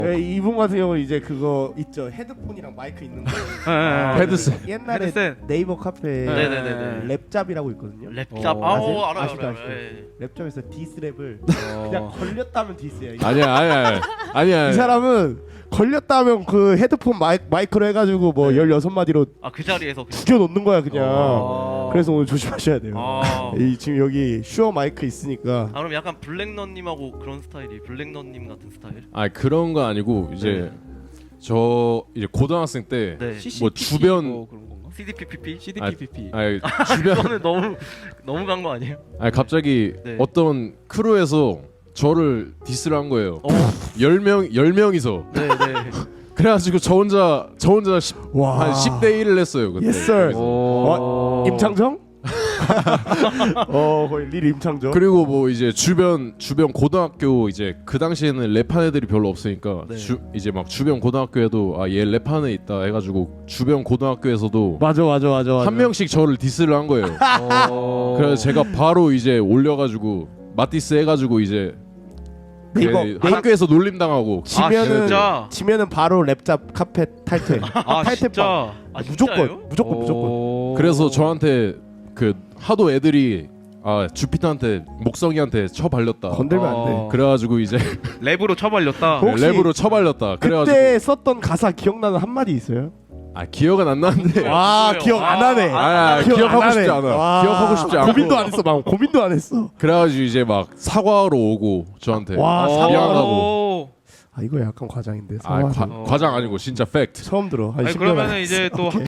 이분 같은 경우는 이제 그거 있죠. 헤드폰이랑 마이크 있는 거. 헤드셋. 옛날에 헤드셋. 네이버 카페에 네네네네. 랩잡이라고 있거든요. 랩잡. 아세요? 알아요. 아시죠? 예. 랩잡에서 디스랩을 그냥 걸렸다면 디스야. 아니야. 이 사람은 걸렸다면 그 헤드폰 마이크로 해가지고 뭐 16마디로 그 자리에서 그냥. 죽여놓는 거야 그냥. 그래서 오늘 조심하셔야 돼요. 아. 지금 여기 슈어 마이크 있으니까. 그럼 약간 블랙넌님하고 그런 스타일이 블랙넌님 같은 스타일? 그런 거 아니고 이제 저 이제 고등학생 때 네. 뭐 주변 그런 건가? CDPPP? CDPPP. 주변 이거는 너무 간 거 아니에요? 갑자기 네. 어떤 크루에서 저를 디스를 한 거예요. 10명이서. 네네. 그래가지고 저 혼자 와. 한 10대 1을 했어요 그때. Yes sir. 오. 임창정? 거의 릴 임창정. 그리고 뭐 이제 주변 고등학교 이제 그 당시에는 랩한 애들이 별로 없으니까 네. 이제 막 주변 고등학교에도 얘 랩하는 애 있다 해가지고 주변 고등학교에서도 맞아. 한 명씩 저를 디스를 한 거예요. 그래서 제가 바로 이제 올려가지고 맞디스 해가지고 이제 네이버 학교에서 놀림 당하고 지면은 바로 랩잡 카페 탈퇴. 탈퇴 진짜? 무조건. 그래서 저한테 그 하도 애들이 주피터한테 목성이한테 쳐발렸다. 건들면 안 돼. 그래가지고 이제 랩으로 쳐발렸다. 혹시 랩으로 쳐발렸다. 그래가지고 그때 썼던 가사 기억나는 한 마디 있어요? 기억은 안 나는데. 와 기억 안 하네. 기억하고 싶지 않아. 기억하고 싶지 않고. 고민도 안 했어. 막 고민도 안 했어. 그래가지고 이제 막 사과하러 오고 저한테 와, 미안하다고. 이거 약간 과장인데. 과장 아니고 진짜 팩트. 처음 들어. 그러면은 이제 또